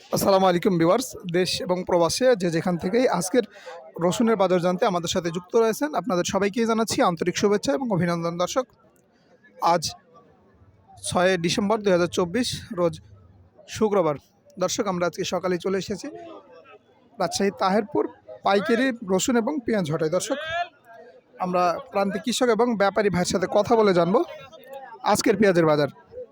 আসসালামু আলাইকুম ভিউয়ার্স, দেশ এবং প্রবাসে যে যেখান থেকেই আজকের রসুনের বাজার জানতে আমাদের সাথে যুক্ত রয়েছেন আপনাদের সবাইকেই জানাচ্ছি আন্তরিক শুভেচ্ছা এবং অভিনন্দন। দর্শক, আজ 6 ডিসেম্বর 2024 রোজ শুক্রবার। দর্শক, আমরা আজকে সকালে চলে এসেছি রাজশাহী তাহেরপুর পাইকারি রসুন এবং পেঁয়াজ হটায়। দর্শক, আমরা প্রান্তিক কৃষক এবং ব্যাপারী ভাইয়ের সাথে কথা বলে জানবো আজকের পেঁয়াজের বাজার।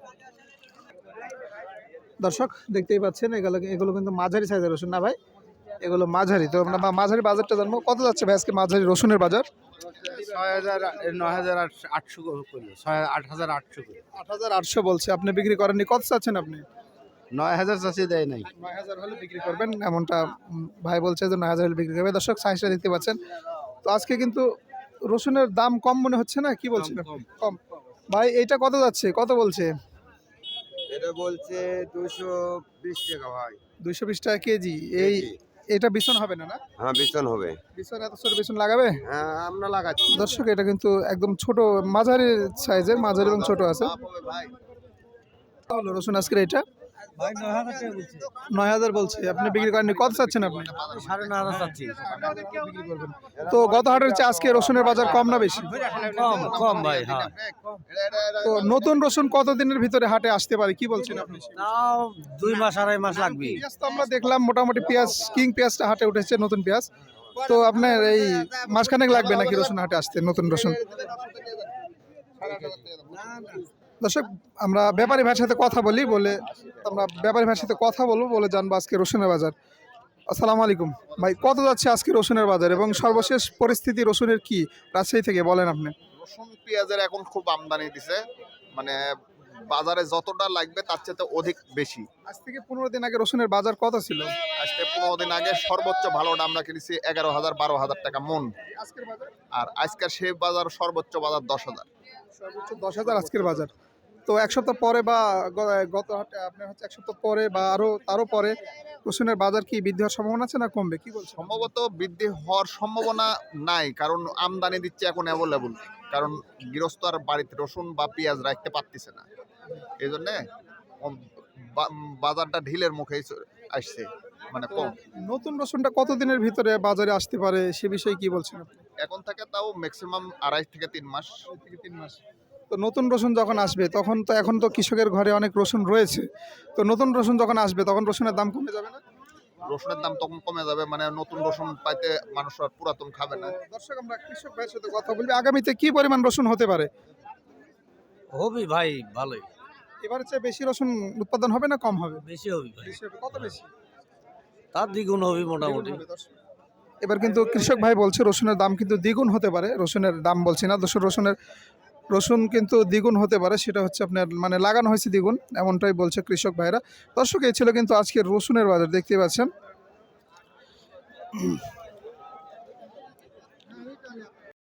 দর্শক, দেখতেই পাচ্ছেন এগুলো কিন্তু মাঝারি সাইজের রসুন না ভাই, এগুলো মাঝারি। তো আমরা মাঝারি বাজারটা জানবো, কত যাচ্ছে ভাই আজকে মাঝারি রসুনের বাজার? 6,000 9,800 করলো 8,800 করে 8,800 বলছে, আপনি বিক্রি করেননি, কত চাচ্ছেন আপনি? 9,000 চাষি দেয় নাই। 9,000 হলে বিক্রি করবেন এমনটা ভাই বলছে যে 9,000 হলে বিক্রি করবে। দর্শক, সাইজটা দেখতে পাচ্ছেন। তো আজকে কিন্তু রসুনের দাম কম মনে হচ্ছে না, কি বলছেন আপনি? কম। ভাই এইটা কত যাচ্ছে, কত বলছে? এটা বলছে 220 টাকা ভাই। 220 টাকা কেজি। এটা বিছন হবে না? হ্যাঁ বিচন হবে। বিছন এত ছোট বিছন লাগাবে? হ্যাঁ আমরা লাগাচ্ছি। দর্শক, এটা কিন্তু একদম ছোট মাঝারি সাইজের, মাঝারি এবং ছোট আছে। ভাই হলো রসুন আজকের এটা ভাই 9,000 টাকা বলছে। 9,000 বলছে, আপনি বিক্রি করেননি, কত চাচ্ছেন আপনি? 9,500 চাচ্ছি। বিক্রি করবেন। তো গত হাটের চেয়ে আজকে রসুনের বাজার কম না বেশি? কম কম ভাই। হ্যাঁ তো নতুন রসুন কতদিনের ভিতরে হাটে আসতে পারে, কি বলছেন আপনি? তাও 2 মাস 2.5 মাস লাগবে। পেঁয়াজ তো আমরা দেখলাম মোটামুটি পেঁয়াজ, কিং পেঁয়াজটা হাটে উঠেছে, নতুন পেঁয়াজ। তো আপনার এই মাসখানেক লাগবে নাকি রসুন হাটে আসতে, নতুন রসুন? দর্শক, আমরা ব্যাপারী ভাইয়ের সাথে কথা বলি, আমরা ব্যাপারী ভাইয়ের সাথে কথা বলবো বলে জানবো আজকে রসুনের বাজার। আসসালামু আলাইকুম ভাই, কত যাচ্ছে আজকে রসুনের বাজার এবং সর্বশেষ পরিস্থিতি রসুনের কি রাজশাহী থেকে বলেন আপনি? রসুন পেঁয়াজের এখন খুব আমদানি দিছে, মানে বাজারে যতটা লাগবে তার চেয়ে অধিক বেশি। আজ থেকে 15 দিন আগে রসুনের বাজার কত ছিল? আজকে 15 দিন আগে সর্বোচ্চ ভালোটা আমরা কিনেছি 11,000 12,000 টাকা মন, আজকের বাজার আর আজকের সেই বাজার সর্বোচ্চ বাজার 10,000। সর্বোচ্চ 10,000 আজকের বাজার। তো এক সপ্তাহ পরে বা গত হাটে আপনার হচ্ছে এক সপ্তাহ পরে বা তারও পরে রসুনের বাজার কি বৃদ্ধি হওয়ার সম্ভাবনা আছে না কমবে, কি বলছেন? সম্ভবত বৃদ্ধি হওয়ার সম্ভাবনা নাই, কারণ আমদানি দিচ্ছে এখন অ্যাভেলেবল, কারণ গৃহস্থ আর বাড়িতে রসুন বা পেঁয়াজ রাখতে পারতেছে না, এই জন্যে বাজারটা ঢিলের মুখে আসছে, মানে কম। নতুন রসুনটা কতদিনের ভিতরে বাজারে আসতে পারে সে বিষয়ে কি বলছেন আপনি? এখন থেকে তাও ম্যাক্সিমাম 2.5 থেকে 3 মাস। 2 থেকে 3 মাস। তো নতুন রসুন যখন আসবে তখন তো এখন তো কৃষকের ঘরে অনেক রসুন রয়েছে, তো নতুন রসুন যখন আসবে তখন রসুনের দাম কমে যাবে না? রসুনের দাম তখন কমে যাবে, মানে নতুন রসুন পাইতে মানুষ আর পুরাতন খাবে না। দর্শক, আমরা কৃষক ভাইয়ের সাথে কথা বলবি আগামীতে কি পরিমাণ রসুন হতে পারে? হবে ভাই ভালোই। এবারে চেয়ে বেশি রসুন উৎপাদন হবে না কম হবে? বেশি হবে ভাই। বেশি হবে। কত বেশি? তার দ্বিগুণ হবে মোটামুটি। এবার কিন্তু কৃষক ভাই বলছে রসুনের দাম কিন্তু দ্বিগুণ হতে পারে। রসুনের দাম বলছি না, রসুন কিন্তু দ্বিগুণ হতে পারে, সেটা হচ্ছে আপনার মানে লাগানো হয়েছে দ্বিগুণ, এমনটাই বলছে কৃষক ভাইরা। দর্শক, এই ছিল কিন্তু আজকের রসুনের বাজার, দেখতে পাচ্ছেন।